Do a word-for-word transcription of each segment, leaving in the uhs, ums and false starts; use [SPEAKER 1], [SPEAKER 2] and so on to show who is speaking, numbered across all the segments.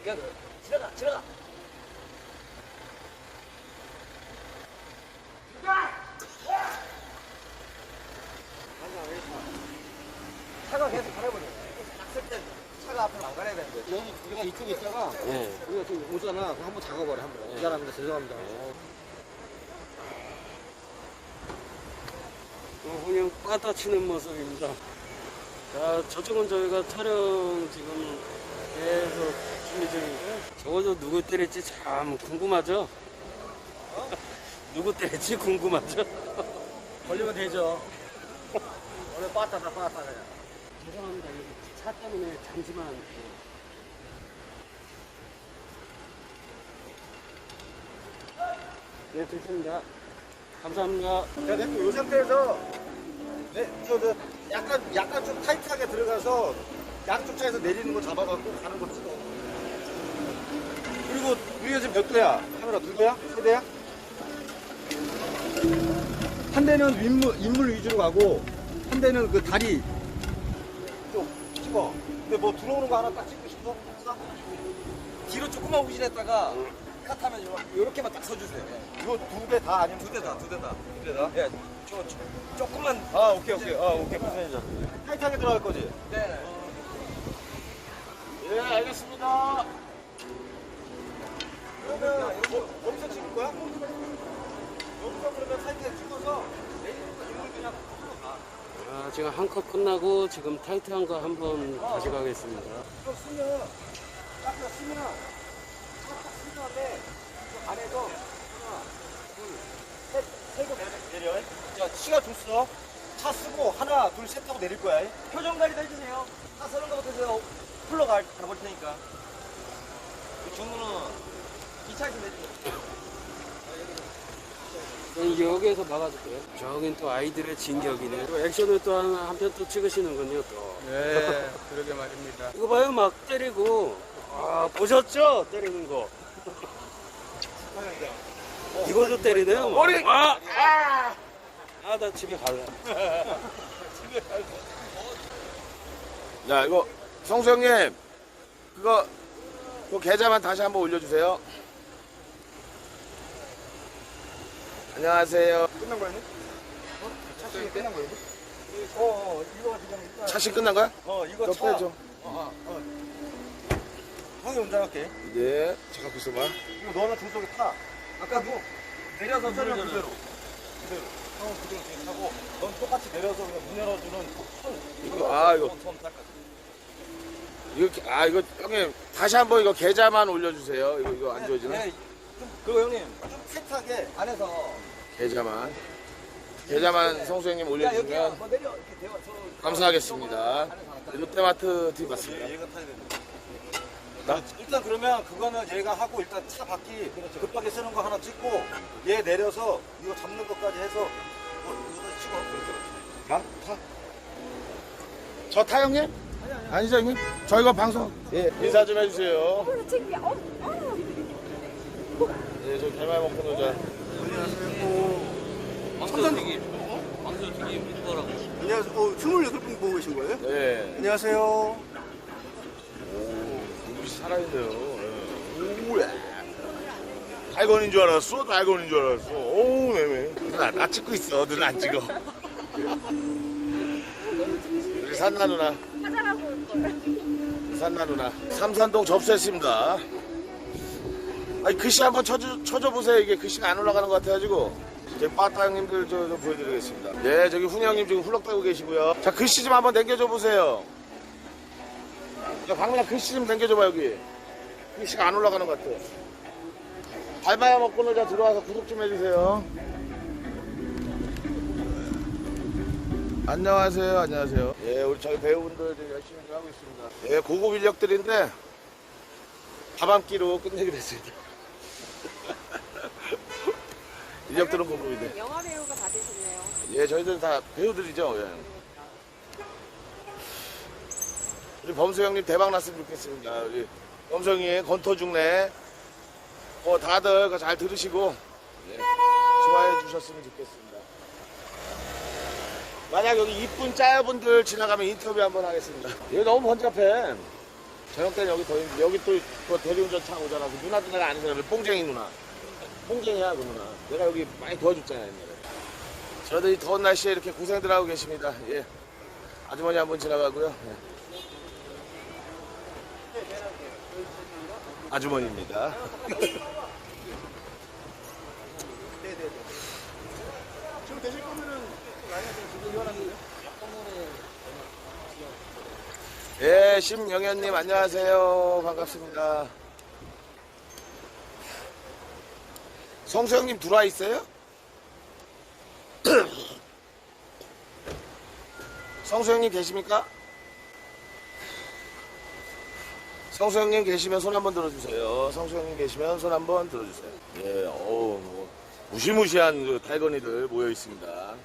[SPEAKER 1] 그냥 지나가, 지나가. 차가 계속 가려버려. 낙설 때 차가 앞으로 안 가려야 되는데.
[SPEAKER 2] 여기 우리가 이쪽에 있다가
[SPEAKER 3] 예.
[SPEAKER 2] 우리가 지금 오잖아. 그럼 한번 작업을 해 한번. 미안합니다. 죄송합니다.
[SPEAKER 3] 어, 그냥 빠따치는 모습입니다. 자, 저쪽은 저희가 촬영 지금 계속 준비 중인데 저거 누구 때릴지 참 궁금하죠? 누구 때릴지 궁금하죠?
[SPEAKER 2] 걸리면 되죠. 오늘 빠따다 빠따 그냥.
[SPEAKER 3] 죄송합니다. 여기 차 때문에 잠시만. 네, 됐습니다. 감사합니다.
[SPEAKER 2] 야, 됐고 이 상태에서 네, 저, 저 약간 약간 좀 타이트하게 들어가서 양쪽 차에서 내리는 거 잡아갖고 가는 거 찍어. 그리고 우리가 지금 몇 대야? 카메라 두 대야? 세 대야? 한 대는 인물, 인물 위주로 가고 한 대는 그 다리 쪽 찍어. 근데 뭐 들어오는 거 하나 딱 찍고 싶어?
[SPEAKER 1] 뒤로 조금만 후진했다가 컷하면 요렇게만 딱 서주세요.
[SPEAKER 2] 이거 두 대 다 아니면
[SPEAKER 1] 두 대 다, 두 대 다.
[SPEAKER 2] 두 대 다?
[SPEAKER 1] 예, 저, 저 조금만.
[SPEAKER 2] 아 오케이 오케이 아 오케이 무슨 얘기죠? 타이트하게 들어갈 거지?
[SPEAKER 1] 네.
[SPEAKER 2] 예 알겠습니다. 그러면 뭐, 거기서 찍을 거야? 여기서 그러면 타이트하게 찍어서 내리는 거 이걸 그냥 풀로 가.
[SPEAKER 3] 아, 지금 한 컷 끝나고 지금 타이트한 거 한번 다시 가겠습니다.
[SPEAKER 2] 이거 쓰면 딱딱 쓰면 딱딱 쓴 다음에 그 안에서 하나 둘셋세개 내려. 자 시간 줬어. 차 쓰고 하나 둘 셋 하고 내릴 거야.
[SPEAKER 1] 표정 관리도 해주세요. 차 서는 거부터 해서 풀러 가, 가볼 테니까. 그 주문은 이 차에서 내리죠.
[SPEAKER 3] 여기에서 막아줄게요. 저긴 또 아이들의 진격이네. 또 액션을 또 한 편 또 찍으시는군요, 또.
[SPEAKER 2] 네, 그러게 말입니다.
[SPEAKER 3] 이거 봐요, 막 때리고. 아, 보셨죠? 때리는 거. 이것도 때리네요. 뭐.
[SPEAKER 2] 머리!
[SPEAKER 3] 아! 아! 아, 나 집에 갈래.
[SPEAKER 4] 야, 이거 성수 형님 그거 그 계좌만 다시 한번 올려주세요. 안녕하세요.
[SPEAKER 2] 끝난 거였네? 어? 차식이 끝난 거였네? 어, 어, 이거 지금 일단.
[SPEAKER 4] 차시 끝난 거야?
[SPEAKER 2] 어, 이거
[SPEAKER 4] 너
[SPEAKER 2] 차.
[SPEAKER 4] 빼줘.
[SPEAKER 2] 어, 어, 어. 형이 운전할게.
[SPEAKER 4] 네. 잠깐 있어봐.
[SPEAKER 2] 이거 너는 중속에 타.
[SPEAKER 1] 아까 뭐 내려서
[SPEAKER 2] 그대로,
[SPEAKER 1] 누르잖아요.
[SPEAKER 2] 그대로. 그대로. 형은 그대로 뒤에 타고, 넌 똑같이 내려서 그냥 문 열어주는 손.
[SPEAKER 4] 이거, 아, 이거.
[SPEAKER 1] 손, 손 닦아.
[SPEAKER 4] 이거 아 이거 형님 다시 한번 이거 계좌만 올려주세요. 이거 이거 안 좋아지나?
[SPEAKER 1] 네, 좀, 그리고 형님.
[SPEAKER 2] 좀 타이트하게.
[SPEAKER 1] 안에서.
[SPEAKER 4] 계좌만 계좌만 성수 형님
[SPEAKER 1] 야, 여기야.
[SPEAKER 4] 올려주시면
[SPEAKER 1] 뭐 내려. 이렇게 대화. 저,
[SPEAKER 4] 감사하겠습니다. 롯데마트 팀 맞습니다.
[SPEAKER 2] 얘가 타야 되는데.
[SPEAKER 4] 나?
[SPEAKER 2] 일단 그러면 그거는 얘가 하고 일단 차 바퀴 급하게 쓰는 거 하나 찍고 얘 내려서 이거 잡는 것까지 해서 어, 이거 찍어. 그렇게.
[SPEAKER 4] 나? 타? 저 타 형님? 아니죠 형님? 저 이거 방송 예 인사 좀 해주세요.
[SPEAKER 5] 어, 창피해. 어, 어.
[SPEAKER 4] 예, 저 개말 먹고 놀자.
[SPEAKER 3] 왕서튀김. 왕서튀김 이거라고.
[SPEAKER 2] 안녕하세요. 어, 스물여덟 분 보고 계신 거예요?
[SPEAKER 4] 네.
[SPEAKER 2] 안녕하세요.
[SPEAKER 4] 오, 눈빛이 살아있네요. 예. 오야. 달건인 줄 알았어. 달건인 줄 알았어. 오, 네네. 누나, 나 찍고 있어. 누나 안 찍어. 우리 산나 누나.
[SPEAKER 5] 화장하고 올 걸.
[SPEAKER 4] 산나 누나. 삼산동 접수했습니다. 아니, 글씨 한번 쳐줘, 쳐줘 보세요. 이게 글씨가 안 올라가는 것 같아가지고. 저희 빠따 형님들 저, 좀 보여드리겠습니다. 네, 저기 훈이 형님 지금 훌렁대고 계시고요. 자, 글씨 좀 한번 남겨줘 보세요. 야, 방문아 글씨 좀 남겨줘봐, 여기. 글씨가 안 올라가는 것 같아. 밟아야 먹고 놀자 들어와서 구독 좀 해주세요. 안녕하세요, 안녕하세요. 예, 우리 저희 배우분들 지금 열심히 하고 있습니다. 예, 고급 인력들인데 밥 한 끼로 끝내기로 했습니다. 인력들은 고급인데.
[SPEAKER 5] 영화 배우가 받으셨네요.
[SPEAKER 4] 예, 저희들 다 배우들이죠. 예. 우리 범수 형님 대박 났으면 좋겠습니다. 우리 범수 형님 건터중래 뭐 다들 그거 잘 들으시고 예, 좋아해 주셨으면 좋겠습니다. 만약 여기 이쁜 짜여분들 지나가면 인터뷰 한번 하겠습니다. 여기 너무 번잡해. 저녁 때는 여기 더 힘들어. 여기 또 그 대리운전 차 오잖아. 그 누나도 내가 아는 사람이 뽕쟁이 누나. 뽕쟁이야 그 누나. 내가 여기 많이 도와줬잖아 옛날에. 저도 이 더운 날씨에 이렇게 고생들 하고 계십니다. 예. 아주머니 한 분 지나가고요. 예. 아주머니입니다.
[SPEAKER 2] 지금 되실 거면은 지금 이혼하는데요?
[SPEAKER 4] 예, 심영현님 안녕하세요. 반갑습니다. 성수형님 들어와 있어요? 성수형님 계십니까? 성수형님 계시면 손 한번 들어주세요. 성수형님 계시면 손 한번 들어주세요. 예, 어우, 뭐, 무시무시한 그 탈건이들 모여 있습니다.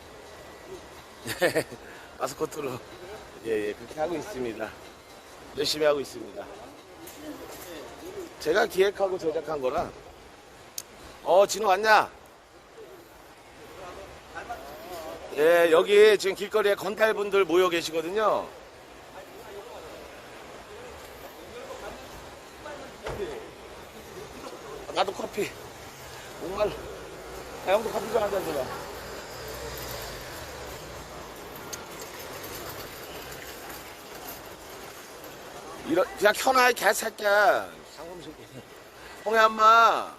[SPEAKER 4] 예, 마스코트로. 예, 예, 그렇게 하고 있습니다. 열심히 하고 있습니다. 제가 기획하고 제작한 거라. 어, 진호 왔냐? 예, 여기 지금 길거리에 건달분들 모여 계시거든요. 나도 커피. 정말. 아, 형도 커피 좀 한 잔 줘봐. 이런, 그냥 켜놔, 이 개새끼야. 상금 새끼. 홍야, 엄마.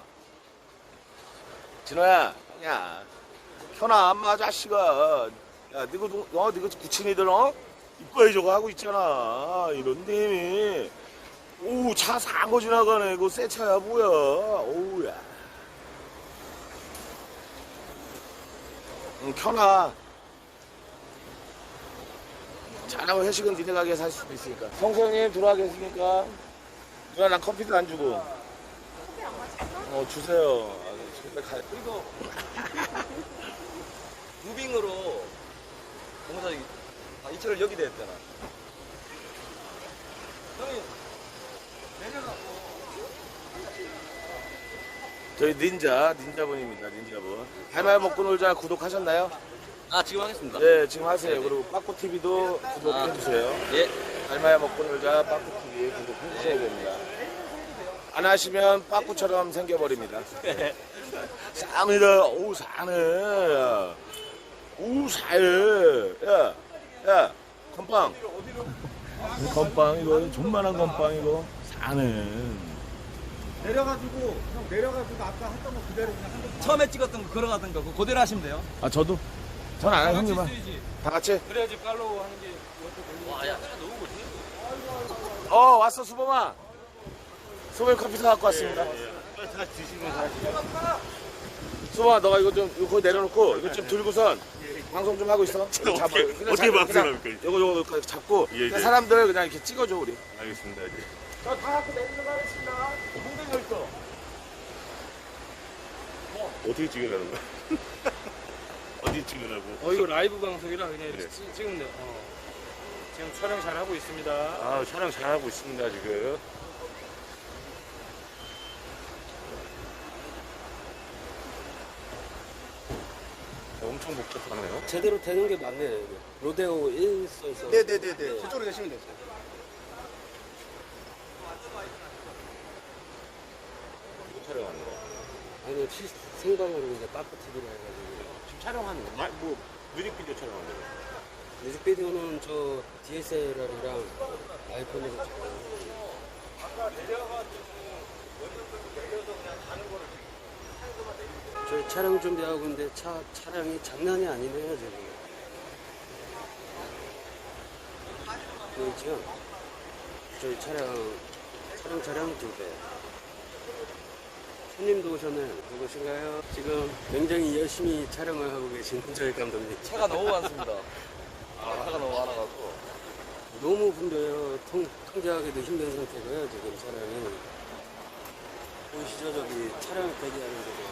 [SPEAKER 4] 진호야, 야. 켜놔, 엄마, 자식아. 야, 니가, 어, 니가 구친이들, 어? 이뻐해 저거 하고 있잖아. 이런 데미. 오, 차 산 거 지나가네. 이거 새 차야, 뭐야. 오우, 야. 응, 켜놔. 잘하고 회식은 니네 가게에서 할 수도 있으니까. 성수형님 들어와 계십니까? 누나 난 커피도 안 주고.
[SPEAKER 5] 커피 안 마셨어?
[SPEAKER 4] 어 주세요. 아, 집에 가.
[SPEAKER 1] 그리고 무빙으로 공사 아, 이철을 여기다 했잖아. 형이 내려가고
[SPEAKER 4] 저희 닌자 닌자분입니다. 닌자분. 할말 먹고 놀자 구독하셨나요?
[SPEAKER 1] 아 지금 하겠습니다.
[SPEAKER 4] 네 지금 하세요. 그리고 빠꾸티비도 구독해주세요.
[SPEAKER 1] 예.
[SPEAKER 4] 할말 먹고 놀자 빠꾸티비 구독해주셔야 됩니다. 안 하시면 빠꾸처럼 생겨버립니다. 쌉니다. 오 사네. 오 사해. 야, 야, 건빵. 건빵 이거 존만한 건빵 이거 사는.
[SPEAKER 2] 내려가지고 형 내려가지고 아까 했던 거 그대로 그냥 한 대.
[SPEAKER 1] 처음에 찍었던 거 걸어가던 거 그거 그대로 하시면 돼요.
[SPEAKER 4] 아 저도. 전 안 해요 형님아. 다 같이.
[SPEAKER 3] 그래야지 팔로우 하는 게.
[SPEAKER 1] 와야 너무 못해.
[SPEAKER 4] 어 왔어 수범아. 수범이 커피 사갖고 왔습니다. 수범아 너가 이거 좀 이거 거기 내려놓고 이거 좀 들고선 방송 좀 하고 있어. 잡아.
[SPEAKER 6] 어떻게 방송합니까, 이제?
[SPEAKER 4] 이거 요거 요거 잡고
[SPEAKER 6] 예, 예.
[SPEAKER 4] 그냥 사람들 그냥 이렇게 찍어줘 우리.
[SPEAKER 6] 알겠습니다. 이제.
[SPEAKER 4] 저 다 갖고 내려가겠습니다. 홍대가 있어.
[SPEAKER 6] 어떻게 찍으라는 거야? 어디 찍으라고?
[SPEAKER 3] 어 이거 라이브 방송이라 그냥
[SPEAKER 6] 네.
[SPEAKER 3] 찍- 찍으면 돼요. 어. 지금 촬영 잘 하고 있습니다.
[SPEAKER 6] 아, 촬영 잘하고 있습니다, 지금. 엄청 복잡하네요.
[SPEAKER 3] 제대로 되는 게 맞네요. 여기. 로데오 일 써있어.
[SPEAKER 2] 네네네네. 저쪽으로 가시면 돼요.
[SPEAKER 6] 뭐 촬영하는 거?
[SPEAKER 3] 아니 시, 생방으로 이제 빠꾸 티비로 해가지고.
[SPEAKER 6] 지금 촬영하는 거? 아, 뭐, 뮤직비디오 촬영하는 거?
[SPEAKER 3] 뮤직비디오는 저 디에스엘알이랑 아이폰으로 찍고. 저희 촬영 준비하고 있는데 차, 차량이 장난이 아니네요 지금. 보이죠? 저희 차량, 촬영 차량 두 대. 손님도 오셨네요. 누구신가요? 지금 굉장히 열심히 촬영을 하고 계신 저희 감독님.
[SPEAKER 1] 차가 너무 많습니다. 아, 차가 너무 많아가지고.
[SPEAKER 3] 너무 분벼요. 통, 통제하기도 힘든 상태고요, 지금 차량이. 보시죠, 저기 차량 대기하는 데도.